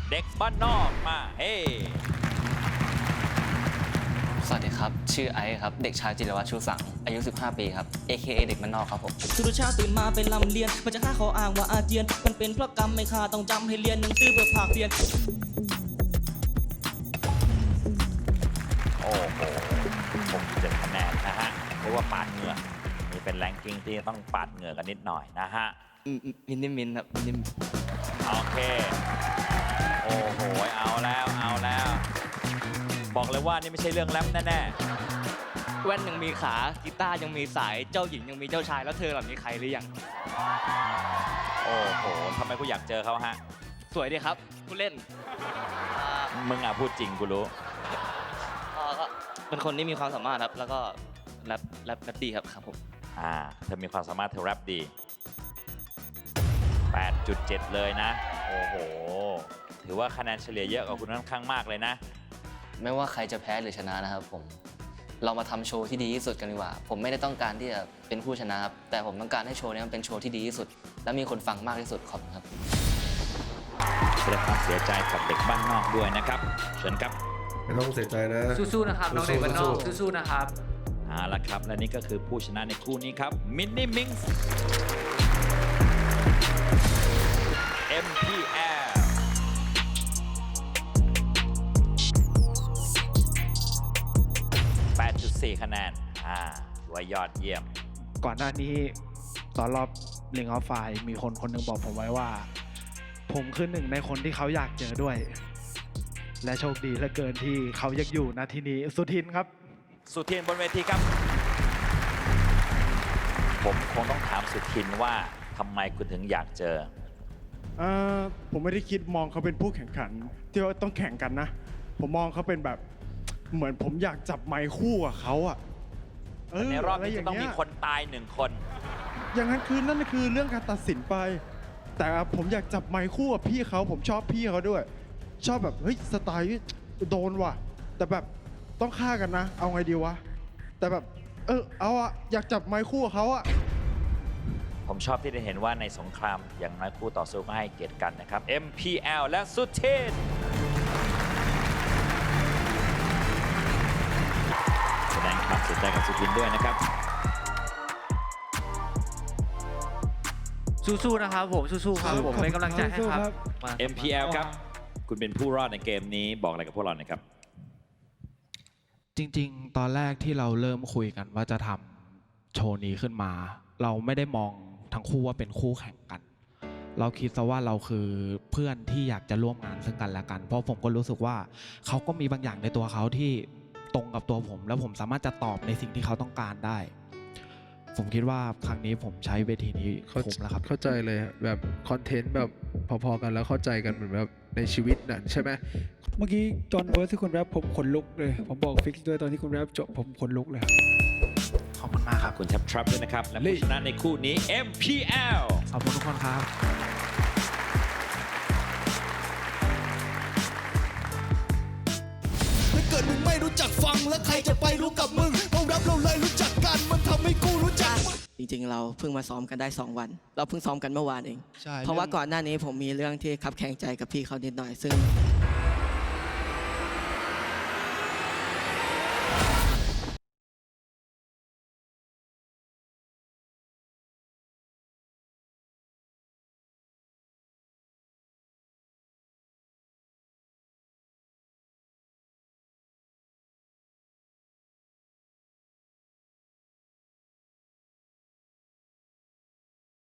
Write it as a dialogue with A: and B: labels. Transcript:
A: เด็กบ้านนอกมาเฮ้
B: สวัสดีครับ ชื่อไอซ์ครับ เด็กชายจิรวัตรชูสัง อายุ 15 ปีครับ AKA เด็กบ้านนอกครับผม
C: ทุกเช้าตื่นมาเป็นลำเลียนมันจะฆ่าขออ้างว่าอาเจียนมันเป็นเพราะกรรมไม่ฆ่าต้องจำให้เรียนหนังสือเพื่อภาคเรียน
A: โอ้โห67 คะแนนนะฮะเรียกว่าปาดเหงื่อนี่เป็นแรงกิ้งที่ต้องปาดเหงื่อกันนิดหน่อยนะฮะ
B: มินนิมครับมินนิม
A: โอเค โอ้โห เอาแล้วบอกเลยว่านี่ไม่ใช่เรื่องแรปแน่
B: แว่นยังมีขา กีตาร์ยังมีสาย เจ้าหญิงยังมีเจ้าชาย แล้วเธอหล่ะมีใครหรือยัง
A: ๆโอ้โหทำไมกูอยากเจอเขาฮะ
B: สวยดีครับผู้เล่น
A: มึงอ่ะพูดจริงกูรู้
B: ก็เป็นคนที่มีความสามารถครับ แล้วก็แรปดีครับผม
A: เธอมีความสามารถเธอแรปดี 8.7 เลยนะ โอ้โห ถือว่าคะแนนเฉลี่ยเยอะกว่าคุณค่อนข้างมากเลยนะ
B: ไม่ว่าใครจะแพ้หรือชนะนะครับผม เรามาทำโชว์ที่ดีที่สุดกันดีกว่า ผมไม่ได้ต้องการที่จะเป็นผู้ชนะครับ แต่ผมต้องการให้โชว์นี้มันเป็นโชว์ที่ดีที่สุด และมีคนฟังมากที่สุดขอบคุณครับ
A: แสดงความเสียใจกับเด็กบ้านนอกด้วยนะครับ เชิญครับ
D: ไม่ต้องเสียใจนะ
E: สู้ๆนะครับน้องเด็กบ้านนอกสู้ๆนะครับ
A: เอาละครับ และนี่ก็คือผู้ชนะในคู่นี้ครับ มินนี่มิงส์ MPL 8.4 คะแนนถือว่ายอดเยี่ยม
F: ก่อนหน้านี้ตอนรอบลิงออฟไฟมีคนหนึ่งบอกผมไว้ว่า ผมคือหนึ่งในคนที่เขาอยากเจอด้วย และโชคดีเหลือเกินที่เขายังอยู่ณที่นี้สุทินครับ
A: สุทินบนเวทีครับ ผมคงต้องถามสุทินว่าทำไมคุณถึงอยากเจอ
G: ผมไม่ได้คิดมองเขาเป็นผู้แข่งขันที่ว่าต้องแข่งกันนะ ผมมองเขาเป็นแบบเหมือนผมอยากจับไมค์คู่กับเขาอะ
A: ในรอบนี้
G: ะไย่า
A: จะต้องมี
G: เย
A: คนตาย1 คน
G: อย่างนั้นคือนั่นคือเรื่องการตัดสินไป แต่ผมอยากจับไมค์คู่กับพี่เขาผมชอบพี่เขาด้วย ชอบแบบเฮ้ยสไตล์โดนว่ะ แต่แบบต้องฆ่ากันนะ เอาไงดีวะแต่แบบเอาอะอยากจับไมค์คู่กับเขาอะ
A: ผมชอบที่ได้เห็นว่าในสงครามอย่างน้อยคู่ต่อสู้ก็ให้เกียรติกันนะครับ MPL และสุทินแสดงความเสียใจกับสุทินด้วยนะครับ
E: สู้ๆนะครับผมสู้ๆครับผมเป็นกำลังใจให้ครับ
A: MPL ครับ คุณเป็นผู้รอดในเกมนี้บอกอะไรกับพวกเราหน่อยครับ
F: จริงๆ ตอนแรกที่เราเริ่มคุยกันว่าจะทำโชว์นี้ขึ้นมา เราไม่ได้มองทั้งคู่ว่าเป็นคู่แข่งกัน เราคิดซะว่าเราคือเพื่อนที่อยากจะร่วมงานซึ่งกันและกัน เพราะผมก็รู้สึกว่าเขาก็มีบางอย่างในตัวเขาที่ตรงกับตัวผม แล้วผมสามารถจะตอบในสิ่งที่เขาต้องการได้ ผมคิดว่าครั้งนี้ผมใช้เวทีนี้คุ้มแล้วครับ
D: เข้าใจเลยแบบคอนเทนต์แบบพอๆกันแล้วเข้าใจกันเหมือนแบบในชีวิตน่ะใช่ไหม
H: เมื่อกี้จอห์นเวิร์สที่คุณแรปผมขนลุกเลย ผมบอกฟิกซ์ด้วยตอนที่คุณแรปจบผมขนลุกเลยครับ
F: ขอบคุณมากครับ
A: คุณแท็บทรัพด้วยนะครับ และผู้ชนะในคู่นี้ MPL
F: ขอบคุณทุกคนครับ
C: ถ้าเกิดมึงไม่รู้จักฟังแล้วใครจะไปรู้กับมึงเรารับเราเลยรู้จักกันมันทำให้กูรู้จัก จริงๆเราเพิ่งมาซ้อมกันได้2 วัน เราเพิ่งซ้อมกันเมื่อวานเอง
H: ใช่
C: เพราะว่าก่อนหน้านี้ผมมีเรื่องที่คับแข่งใจกับพี่เขานิดหน่อยซึ่ง